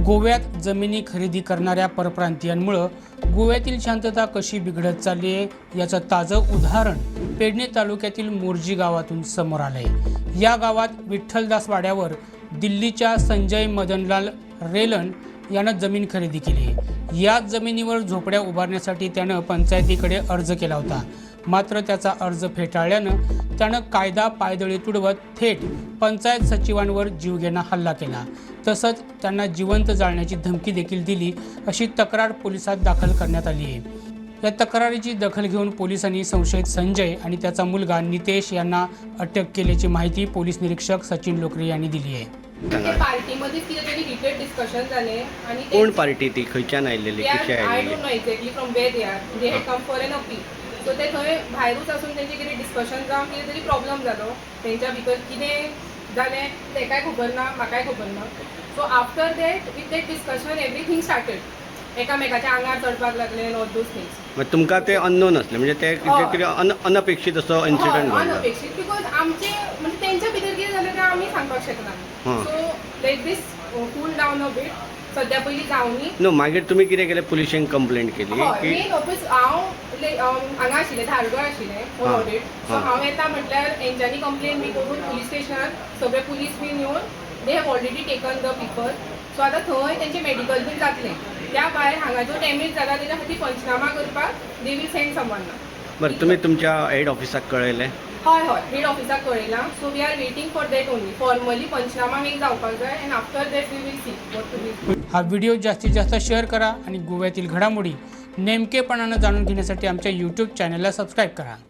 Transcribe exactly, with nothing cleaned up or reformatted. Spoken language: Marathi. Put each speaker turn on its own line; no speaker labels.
गोव्यात जमिनी खरेदी करणाऱ्या परप्रांतीयांमुळे गोव्यातील शांतता कशी बिघडत चालली आहे याचं ताजं उदाहरण पेडणे तालुक्यातील मोर्जी गावातून समोर आलंय। या गावात विठ्ठलदास वाड्यावर दिल्लीच्या संजय मदनलाल रेलन यानं जमीन खरेदी केली आहे। या जमिनीवर झोपड्या उभारण्यासाठी त्यानं पंचायतीकडे अर्ज केला होता, मात्र त्याचा अर्ज फेटाळल्यानं त्यानं कायदा पायदळी तुडवत थेट पंचायत सचिवांवर जीवघेणा हल्ला केला। तसंच त्यांना जिवंत जाळण्याची धमकी देखील दिली, अशी तक्रार पोलिसात दाखल करण्यात आली आहे। या तक्रारीची दखल घेऊन पोलिसांनी संशयित संजय आणि त्याचा मुलगा नितेश यांना अटक केल्याची माहिती पोलीस निरीक्षक सचिन लोकरे यांनी दिली आहे।
पार्टीमध्ये कितीतरी हिटेड डिस्कशन झाले आणि
कोण पार्टी ती खंयच्यान आयलेली कशी
आय
आयलेली
don't know exactly from where they are they had come for an appeal. So ते थंय भायरूच आसून तेंचे कितें डिस्कशन जावन कितें तरी प्रॉब्लम जालो तेंच्या भितर कितें जालें तेकाय खबर ना, म्हाकाय खबर ना। So after that with that discussion everything started एकामेकाच्या आंगार चडपाक लागले ऑल दोज थिंग्स।
मग तुमकां ते अननोन असले म्हणजे ते कितें अन अनपेक्षित असो इन्सिडंट घडलो?
अनपेक्षित बिकॉज आमचे म्हणजे तेंच्या भितर कितें जालें तें आमी सांगपाक शकना। So let this cool down a bit. सद्या पयलीं जावनी
नो मागीर तुमी कितें केलें? पुलिशेंक कंप्लेंट केली की
मेन ऑफिस हांव हांगा आशिल्लें धारगळ आशिल्लें ऑडिट। सो हांव येता म्हटल्यार हेंच्यांनी कंप्लेन बी करून पुलीस स्टेशनार सगळे पुलीस बीन येवन they have already taken the people. So आतां थंय तेंचें मेडिकल बीन जातलें। त्या भायर हांगा जो डॅमेज जाला तेच्या खातीर पंचनामा करपाक दे वील सेंड समवन ना।
बरं तुमी तुमच्या हेड ऑफिसाक कळयलें?
हय हय हेड ऑफिसाक कळयलां। So we are waiting for that only. Formally panchnama make जावपाक जाय and after that we will see what to be.
हा व्हिडिओ जास्तीत जास्त शेअर करा आणि गोव्यातील घडामोडी नेमकेपणानं जाणून घेण्यासाठी आमच्या यूट्यूब चॅनलला सबस्क्राईब करा।